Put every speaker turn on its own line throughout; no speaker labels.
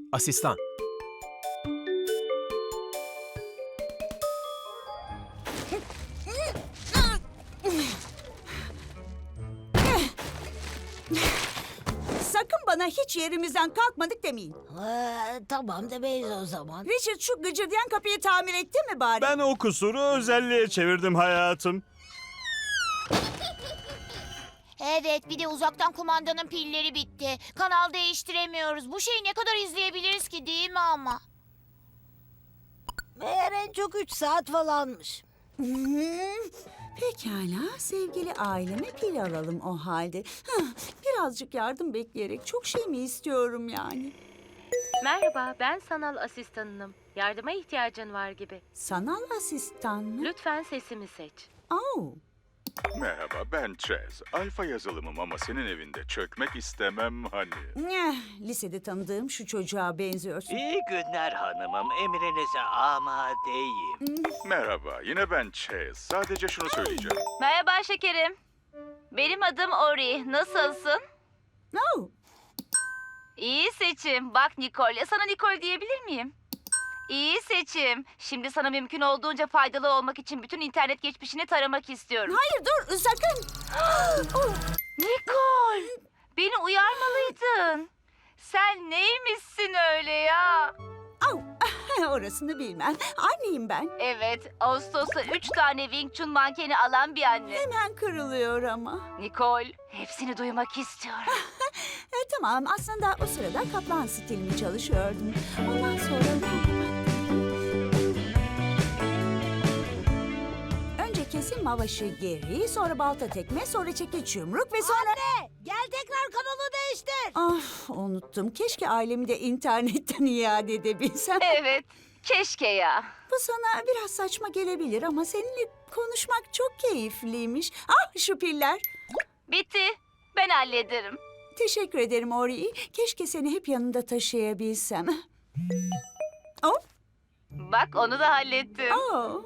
Asistan.
Sakın bana hiç yerimizden kalkmadık demeyin.
Tamam demeyiz o zaman.
Richard şu gıcırdayan kapıyı tamir etti mi bari?
Ben o kusuru özelliğe çevirdim hayatım.
Evet, bir de uzaktan kumandanın pilleri bitti. Kanal değiştiremiyoruz. Bu şeyi ne kadar izleyebiliriz ki, değil mi ama?
Meğer en çok 3 saat falanmış.
Pekala, sevgili aileme pil alalım o halde. Birazcık yardım bekleyerek çok şey mi istiyorum yani?
Merhaba, ben sanal asistanınım. Yardıma ihtiyacın var gibi.
Sanal asistan mı?
Lütfen sesimi seç.
Oh.
Merhaba, ben Chaz. Alfa yazılımım ama senin evinde çökmek istemem hani.
Lisede tanıdığım şu çocuğa benziyorsun.
İyi günler hanımım. Emrinize amadeyim.
Merhaba, yine ben Chaz. Sadece şunu söyleyeceğim.
Merhaba şekerim. Benim adım Ori. Nasılsın?
Oh.
İyi seçim. Bak Nicole. Sana Nicole diyebilir miyim? İyi seçim. Şimdi sana mümkün olduğunca faydalı olmak için bütün internet geçmişini taramak istiyorum.
Hayır dur sakın. Oh.
Nicole! Beni uyarmalıydın. Sen neymişsin öyle ya?
Au. Orasını bilmem. Anneyim ben.
Evet, Ağustos'ta 3 tane Wing Chun mankeni alan bir anne.
Hemen kırılıyor ama.
Nicole, hepsini duymak istiyorum.
Tamam aslında o sırada kaplan stilimi çalışıyordum. Ondan sonra ben kapattım. Önce kesim mavaşı geri, sonra balta tekme, sonra çekiç yumruk ve sonra...
Anne gel tekrar kanalı değiştir.
Ah unuttum. Keşke ailemi de internetten iade edebilsem.
Evet, keşke ya.
Bu sana biraz saçma gelebilir ama seninle konuşmak çok keyifliymiş. Ah şu piller.
Bitti, ben hallederim.
Teşekkür ederim Ori. Keşke seni hep yanımda taşıyabilsem. Oh,
Bak onu da hallettim.
oh.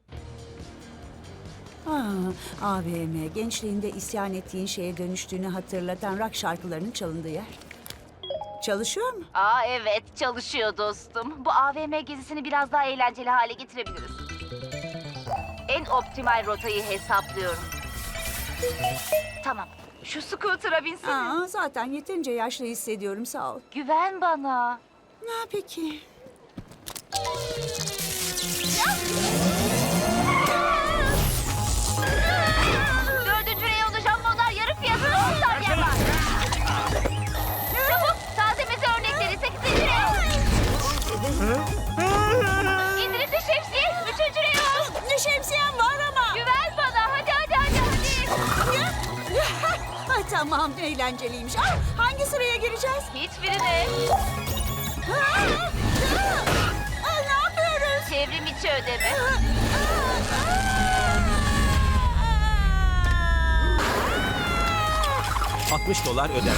AVM, gençliğinde isyan ettiğin şeye dönüştüğünü hatırlatan rock şarkılarının çalındığı yer. Çalışıyor mu?
Aa evet, çalışıyor dostum. Bu AVM gezisini biraz daha eğlenceli hale getirebiliriz. En optimal rotayı hesaplıyorum. Tamam, şu scooter'a binsene.
Zaten yeterince yaşlı hissediyorum, sağ ol.
Güven bana.
Peki.
Dördüncü reyonda jambonlar yarı fiyatına 10 saniye var. Çabuk, taze meze örnekleri 8. reyon. İndirimli şemsiye 3. reyon.
Ne şemsiyem var ama.
Güven bana, hadi.
Tamam, eğlenceliymiş. Hangi sıraya gireceğiz?
Hiçbirine.
Ne yapıyoruz?
Çevrim içi ödeme.
60 dolar öder.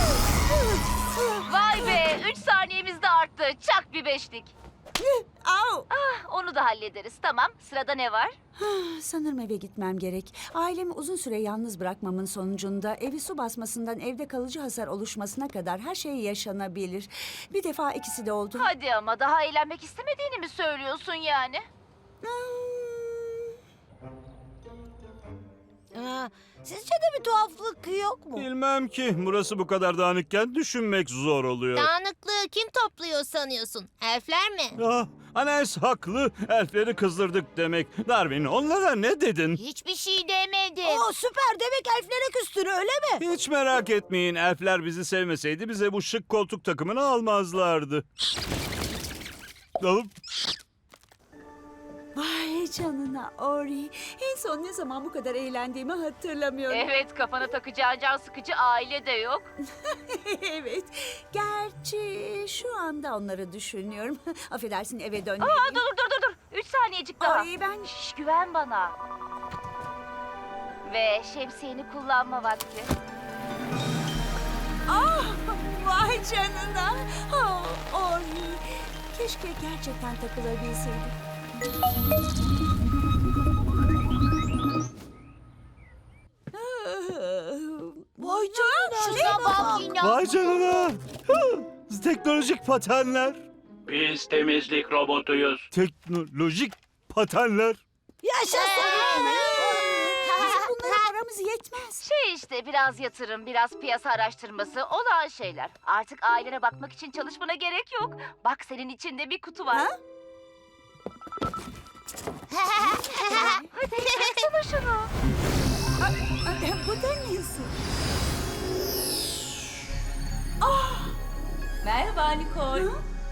Vay be, 3 saniyemiz de arttı. Çak bir beşlik.
Au.
Onu da hallederiz. Tamam, sırada ne var?
Sanırım eve gitmem gerek. Ailemi uzun süre yalnız bırakmamın sonucunda evi su basmasından evde kalıcı hasar oluşmasına kadar her şey yaşanabilir. Bir defa ikisi de oldu.
Hadi ama daha eğlenmek istemediğini mi söylüyorsun yani?
Sizce de bir tuhaflık yok mu?
Bilmem ki. Burası bu kadar dağınıkken düşünmek zor oluyor.
Dağınıklığı kim topluyor sanıyorsun? Elfler mi?
Anes haklı. Elfleri kızdırdık demek. Darwin onlara ne dedin?
Hiçbir şey demedim.
Süper demek elflere küstün öyle mi?
Hiç merak etmeyin. Elfler bizi sevmeseydi bize bu şık koltuk takımını almazlardı. Alıp
Vay canına Ori. En son ne zaman bu kadar eğlendiğimi hatırlamıyorum.
Evet, kafana takacağın can sıkıcı aile de yok.
Evet. Gerçi şu anda onları düşünüyorum. Affedersin eve
Aa,
dönmeliyim.
dur. 3 saniyecik daha.
Ori ben...
Şş, güven bana. Ve şemsiyeni kullanma vakti.
Vay canına. Ori. Keşke gerçekten takılabilseydim.
Vay canına.
Şuna bak yine.
vay canına. Biz teknolojik patenler.
Biz temizlik robotuyuz.
Teknolojik patenler.
Yaşasın.
Bizim bunlara paramız yetmez.
İşte biraz yatırım, biraz piyasa araştırması olağan şeyler. Artık ailene bakmak için çalışmana gerek yok. Bak senin içinde bir kutu var.
Ha?
Hadi açsana şunu.
Bu da neyse?
Merhaba Nicole.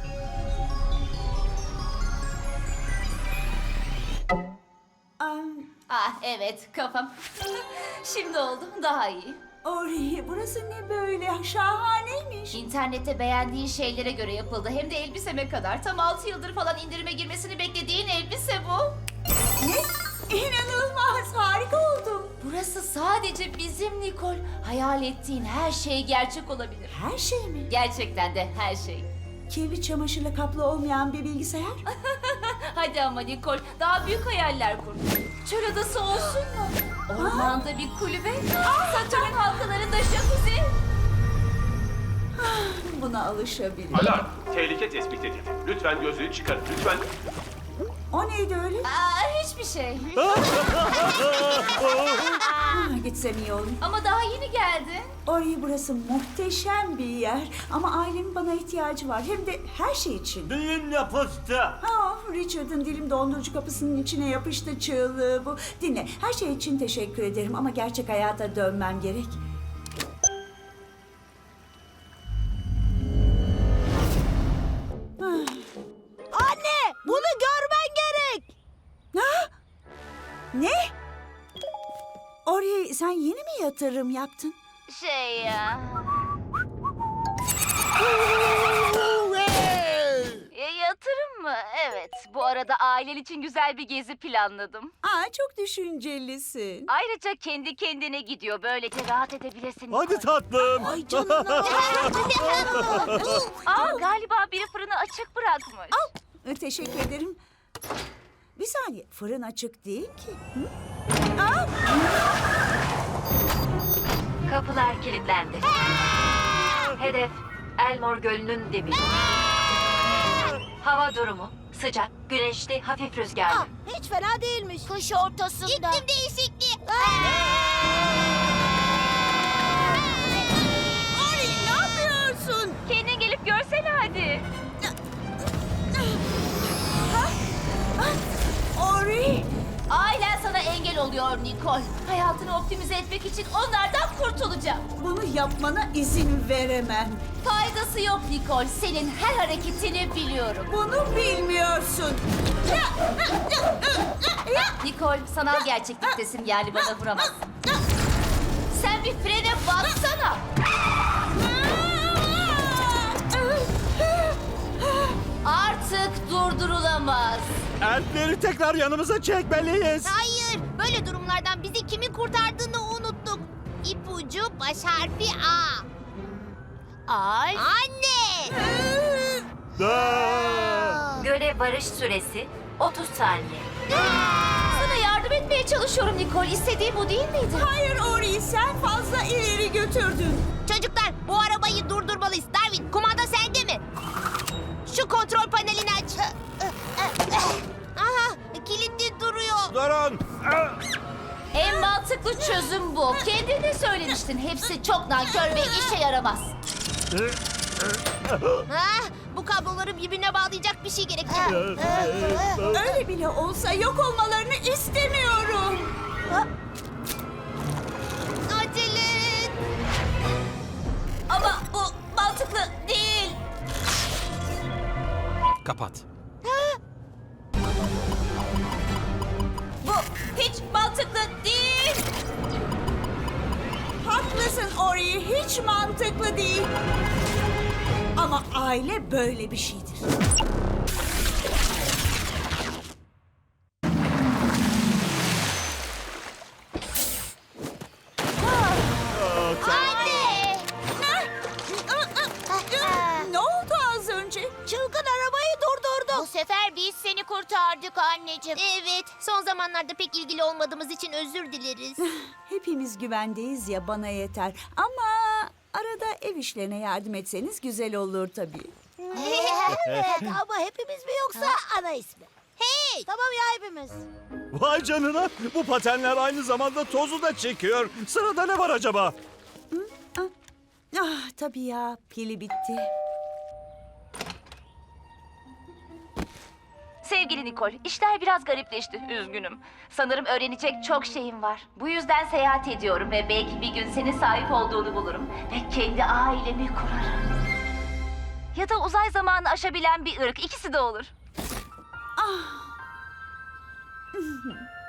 Ah evet kafam. Şimdi oldu daha iyi.
Ori, burası ne böyle? Şahaneymiş.
İnternette beğendiğin şeylere göre yapıldı. Hem de elbiseme kadar. Tam 6 yıldır falan indirime girmesini beklediğin elbise bu.
Ne? İnanılmaz, harika oldum.
Burası sadece bizim Nicole. Hayal ettiğin her şey gerçek olabilir.
Her şey mi?
Gerçekten de her şey.
Kirli çamaşırla kaplı olmayan bir bilgisayar?
Hadi ama Nicole, daha büyük hayaller kur. Çöl adası olsun mu? Ormanda bir kulübe, Satürn halkalarında jacuzzi.
Buna alışabilirim.
Alarm! Tehlike tespit edildi. Lütfen gözlüğü çıkarın. Lütfen.
O neydi öyle?
Hiçbir şey.
Gitsem iyi olur.
Ama daha yeni geldin.
Ori, burası muhteşem bir yer. Ama ailemin bana ihtiyacı var. Hem de her şey için.
Dilim yapıştı.
Richard'ın dilim dondurucu kapısının içine yapıştı çığlığı bu. Dinle, her şey için teşekkür ederim ama gerçek hayata dönmem gerek.
Anne, bunu görmen gerek.
Ne? Ori, sen yeni mi yatırım yaptın?
Yatırım mı? Evet. Bu arada ailen için güzel bir gezi planladım.
Çok düşüncelisin.
Ayrıca kendi kendine gidiyor. Böylece rahat edebilirsin.
Hadi tatlım.
Ay canına.
Galiba biri fırını açık bırakmış.
Teşekkür ederim. Bir saniye, fırın açık değil ki. Hı?
Kapılar kilitlendi. Hedef Elmore Gölü'nün dibi. Hava durumu sıcak, güneşli, hafif rüzgarlı.
Hiç fena değilmiş.
Kış ortasında. İklim değişikliği.
Ori, ne yapıyorsun?
Kendin gelip görsene hadi.
Ori!
Ailen sana engel oluyor Nicole. Hayatını optimize etmek için onlardan kurtulacağım.
Bunu yapmana izin veremem.
Faydası yok Nicole. Senin her hareketini biliyorum.
Bunu bilmiyorsun.
Nicole sanal gerçekliktesin yani bana vuramazsın. Sen bir frene bassana. Artık durdurulamaz.
Elfleri tekrar yanımıza çekmeliyiz.
Hayır. Böyle durumlardan bizi kimin kurtardığını unuttuk. İpucu baş harfi A. Anne.
Göle varış süresi 30 saniye. Sana yardım etmeye çalışıyorum Nicole. İstediğin bu değil miydi?
Hayır Ori, sen fazla ileri götürdün.
Çocuklar bu arabayı durdurmalıyız. Darwin kumanda sende mi? Şu kontrol panelini aç. Aha kilitli duruyor.
Durun.
En mantıklı çözüm bu. Kendin de söylemiştin. Hepsi çok nankör ve işe yaramaz.
Bu kabloları birbirine bağlayacak bir şey gerek.
Öyle bile olsa yok olmalarını istemiyorum.
Acele et.
Ama bu mantıklı değil.
Kapat.
Bu hiç mantıklı değil.
Haklısın Ori, hiç mantıklı değil. Ama aile böyle bir şeydir.
Anne.
Ne oldu az önce?
Çılgın arabayı durdurdu.
Bu sefer biz seni kurtardık anneciğim. Evet. Son zamanlarda pek ilgili olmadığımız için özür dileriz.
Hepimiz güvendeyiz ya, bana yeter. Ama Arada ev işlerine yardım etseniz güzel olur tabii.
Evet ama hepimiz mi yoksa ana ismi? Hey! Tamam ya hepimiz.
Vay canına, bu patenler aynı zamanda tozu da çekiyor. Sırada ne var acaba?
Ah tabii ya, pili bitti.
Sevgili Nicole, işler biraz garipleşti. Üzgünüm. Sanırım öğrenecek çok şeyim var. Bu yüzden seyahat ediyorum ve belki bir gün senin sahip olduğunu bulurum. Ve kendi ailemi kurarım. Ya da uzay zamanını aşabilen bir ırk. İkisi de olur.